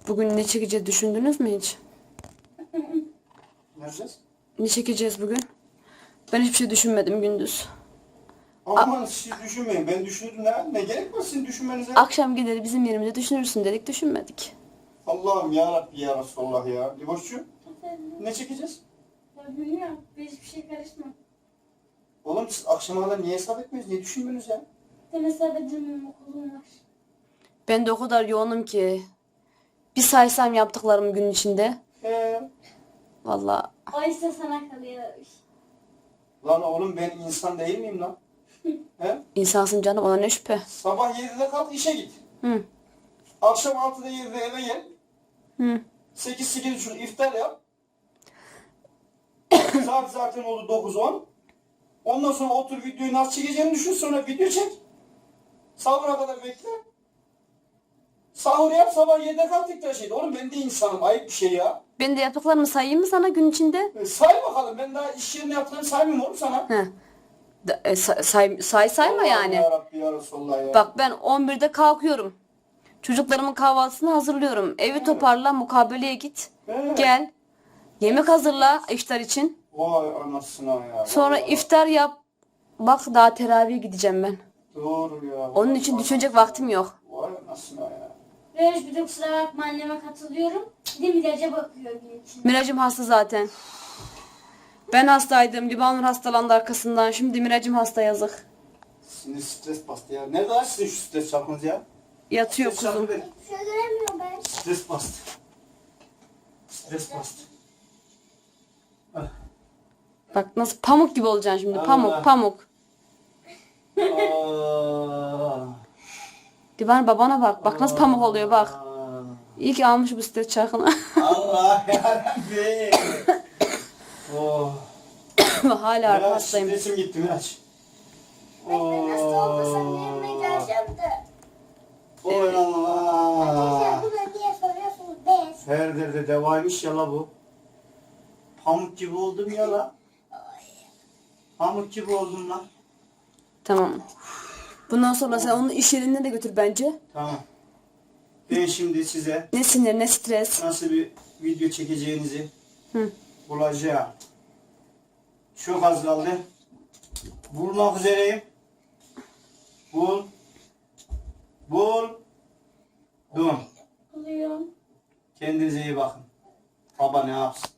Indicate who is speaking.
Speaker 1: Bugün ne çekeceğiz düşündünüz mü hiç?
Speaker 2: Ne yapacağız?
Speaker 1: Ne çekeceğiz bugün? Ben hiçbir şey düşünmedim gündüz.
Speaker 2: Aman siz düşünmeyin. Ben düşünürüm ne? Ne gerek var sizin düşünmenize?
Speaker 1: Akşam gelir bizim yerimizde düşünürsün dedik, düşünmedik.
Speaker 2: Allah'ım ya Rabbi ya Resulallah ya. Liboşçum
Speaker 3: Efendim?
Speaker 2: ne çekeceğiz?
Speaker 3: Ya bilmiyorum. Ben hiçbir şey karışmam.
Speaker 2: Oğlum siz akşama kadar niye hesap etmiyorsunuz? Niye düşünmüyorsunuz ya?
Speaker 3: Ben hesap edemem, okulum var.
Speaker 1: Ben de o kadar yoğunum ki. Bir saysam yaptıklarımı gün içinde. Vallahi
Speaker 3: O ise sana kalıyor.
Speaker 2: Lan oğlum ben insan değil miyim lan? He?
Speaker 1: insansın canım, ona ne şüphe.
Speaker 2: Sabah 7'de kalk işe git.
Speaker 1: Hı.
Speaker 2: Akşam 6'da 7'de eve gel.
Speaker 1: Hı.
Speaker 2: 8-8.30 iftar yap. Saat zaten oldu 9-10. Ondan sonra otur videoyu nasıl çekeceğini düşün, sonra video çek. Sahura kadar bekle. Sahur yap, sabah 7'de kalk tekrar şey. Oğlum ben de insanım, ayıp bir şey ya.
Speaker 1: Ben de yaptıklarımı sayayım mı sana gün içinde?
Speaker 2: Say bakalım, ben daha iş yerine yaptığını saymıyorum oğlum sana.
Speaker 1: He. Sayma yani.
Speaker 2: Ya Rabbi ya Resulallah ya.
Speaker 1: Bak ben 11'de kalkıyorum. Çocuklarımın kahvaltısını hazırlıyorum. Evi toparla, mukabeleye git.
Speaker 2: He.
Speaker 1: Gel. Yemek hazırla iftar için.
Speaker 2: Vay anasına ya.
Speaker 1: Sonra
Speaker 2: Vallahi.
Speaker 1: iftar yap. Bak daha teravihe gideceğim ben.
Speaker 2: Doğru ya.
Speaker 1: Onun için
Speaker 2: Vay
Speaker 1: düşünecek
Speaker 2: anasına.
Speaker 1: vaktim yok.
Speaker 2: Vay anasına ya.
Speaker 3: Böyle bir de kusura bakma, anneme katılıyorum. Bir de Miraç'a bakıyor gün için.
Speaker 1: Miracım hasta zaten. Ben hastaydım. Libanur hastalandı arkasından. Şimdi Miracım hasta, yazık.
Speaker 2: Sinir stres bastı ya. Nerede lan sizin şu stres çarpınız ya?
Speaker 1: Yatıyor
Speaker 2: Stres çarpı
Speaker 1: kuzum.
Speaker 2: verin.
Speaker 3: Hiçbir şey göremiyorum ben.
Speaker 2: Stres bastı. Stres bastı.
Speaker 1: Bak nasıl pamuk gibi olacaksın şimdi.
Speaker 2: Allah.
Speaker 1: Pamuk pamuk.
Speaker 2: Aa.
Speaker 1: Libanur babana bak. Bak nasıl pamuk oluyor bak.
Speaker 2: Aa.
Speaker 1: İyi ki almış bu stres çarkını.
Speaker 2: Allah yarabbim. Oh.
Speaker 1: Hala
Speaker 2: Miraç,
Speaker 1: hastayım.
Speaker 2: stresim gitti Miraç.
Speaker 3: Ben hasta olmasam yerime geleceğim de.
Speaker 2: Oy Allah.
Speaker 3: Arkadaşlar bunu niye soruyorsunuz? Bez.
Speaker 2: Her derde devaymış ya la bu. Pamuk gibi oldum ya la. Pamuk gibi oldum lan.
Speaker 1: Tamam. Bundan sonra sen onu iş yerine de götür bence.
Speaker 2: Tamam. Ben şimdi size
Speaker 1: Ne sinir ne stres.
Speaker 2: nasıl bir video çekeceğinizi
Speaker 1: Hı.
Speaker 2: bulacağım. Çok az kaldı. Bulmak üzereyim. Buldum.
Speaker 3: Buluyorum.
Speaker 2: Kendinize iyi bakın. Baba ne yapsın?